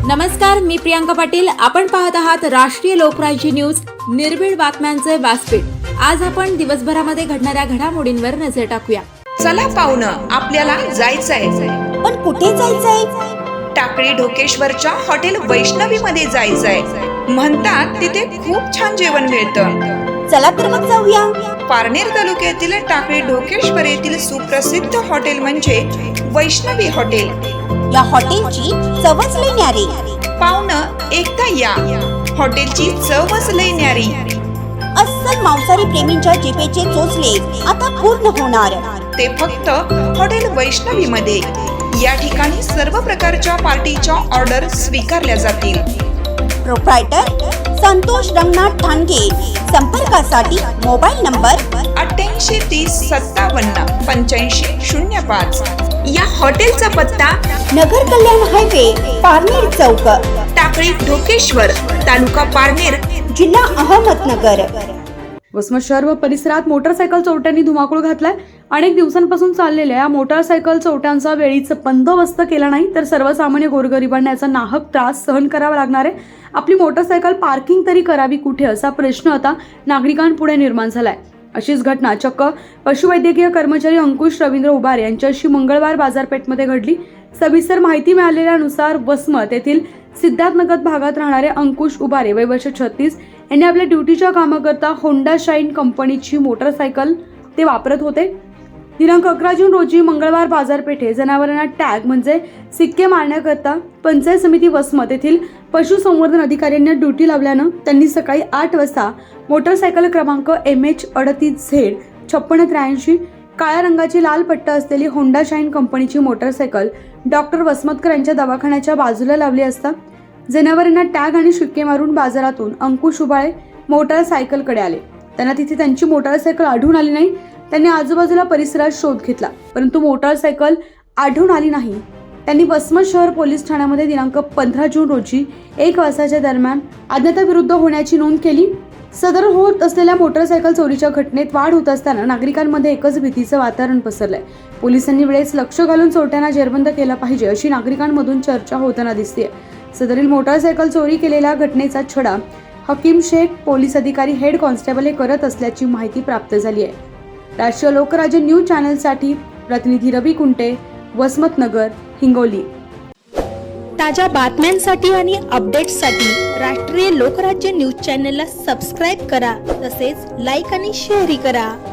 नमस्कार, मी प्रियांका पाटील. आपण पाहत आहात राष्ट्रीय लोकराज्य न्यूज, निर्भीड बातम्यांचे व्यासपीठ. आज आपण दिवसभरामध्ये घडणाऱ्या घडामोडींवर नजर टाकूया. चला पाहुणं, आपल्याला जायचंय. पण कुठे जायचंय? टाकळी ढोकेश्वरच्या हॉटेल वैष्णवी मध्ये जायचंय. म्हणतात तिथे खूप छान जेवण मिळतं. चला तर मग जाऊया. पारनेर तालुक्यातील टाकळी ढोकेश्वर येथील सुप्रसिद्ध हॉटेल म्हणजे वैष्णवी हॉटेल. या हॉटेलची चवच लई न्यारी. पाहुणं, एकदा या. हॉटेलची चवच लई न्यारी. अस्सल मांसाहारी प्रेमींच्या जिभेचे चोचले आता पूर्ण होणार. ते फक्त हॉटेल वैष्णवी मध्ये. या ठिकाणी सर्व प्रकारच्या पार्टीच्या ऑर्डर स्वीकारल्या जातील. प्रोप्रायटर संतोष रंगनाथ ठाणगे. संपर्कासाठी मोबाईल नंबर 8830578505. या हॉटेलचा पत्ता नगर कल्याण हायवे, पारनेर चौक, टाकळी ढोकेश्वर, तालुका पारनेर, जिल्हा अहमदनगर. वसमत शहर व परिसरात मोटरसायकल चोरट्यांनी धुमाकूळ घातलाय. अनेक दिवसांपासून चाललेल्या या मोटरसायकल चोरट्यांचा वेळीच बंदोबस्त केला नाही तर सर्वसामान्य गोरगरिबांना याचा नाहक त्रास सहन करावा लागणार आहे. आपली मोटरसायकल पार्किंग तरी करावी कुठे, असा प्रश्न आता नागरिकांपुढे निर्माण झालाय. अशीच घटना चक्क पशुवैद्यकीय कर्मचारी अंकुश रवींद्र उबारे यांच्याशी मंगळवार बाजारपेठमध्ये घडली. सविस्तर माहिती मिळालेल्यानुसार वसमत येथील सिद्धार्थनगर भागात राहणारे अंकुश उबारे वय वर्ष 36 यांनी आपल्या ड्युटीच्या कामाकरता होंडा शाईन कंपनीची मोटरसायकल ते वापरत होते. दिनांक 11 जून रोजी मंगळवार बाजारपेठे जनावरांना टॅग म्हणजे सिक्के मारण्याकरता पंचायत समिती वसमत येथील पशुसंवर्धन अधिकाऱ्यांनी ड्युटी लावल्यानं त्यांनी सकाळी 8 वाजता मोटरसायकल क्रमांक MH38Z5683 काळ्या रंगाची लाल पट्टा असलेली होंडा शाईन कंपनीची मोटरसायकल डॉक्टर वसमतकर यांच्या दवाखान्याच्या बाजूला लावली असता जनावरांना टॅग आणि शिक्के मारून बाजारातून अंकुश उबाळे मोटरसायकलकडे आले. त्यांना तिथे त्यांची मोटरसायकल आढळून आली नाही. त्यांनी आजूबाजूला परिसरात शोध घेतला परंतु मोटरसायकल आढळून आली नाही. त्यांनी वसमत शहर पोलीस ठाण्यामध्ये दिनांक 15 जून रोजी 1 वाजताच्या दरम्यान अज्ञाताविरुद्ध होण्याची नोंद केली. सदर होत असलेल्या मोटरसायकल चोरीच्या घटनेत वाढ होत असताना नागरिकांमध्ये एकच भीतीचं वातावरण पसरलंय. पोलिसांनी वेळेस लक्ष घालून चोरट्यांना जेरबंद केलं पाहिजे अशी नागरिकांमधून चर्चा होताना दिसते. सदरील मोटरसायकल चोरी केलेल्या घटनेचा छडा हकीम शेख पोलीस अधिकारी हेड कॉन्स्टेबल हे करत असल्याची माहिती प्राप्त झाली आहे. राष्ट्रीय लोकराज्य न्यूज चॅनलसाठी प्रतिनिधी रवी कुंटे, वसमतनगर, हिंगोली. ताज्या बातम्यांसाठी आणि अपडेट्ससाठी राष्ट्रीय लोकराज्य न्यूज चॅनलला सबस्क्राईब करा. तसेच लाईक आणि शेअरही करा.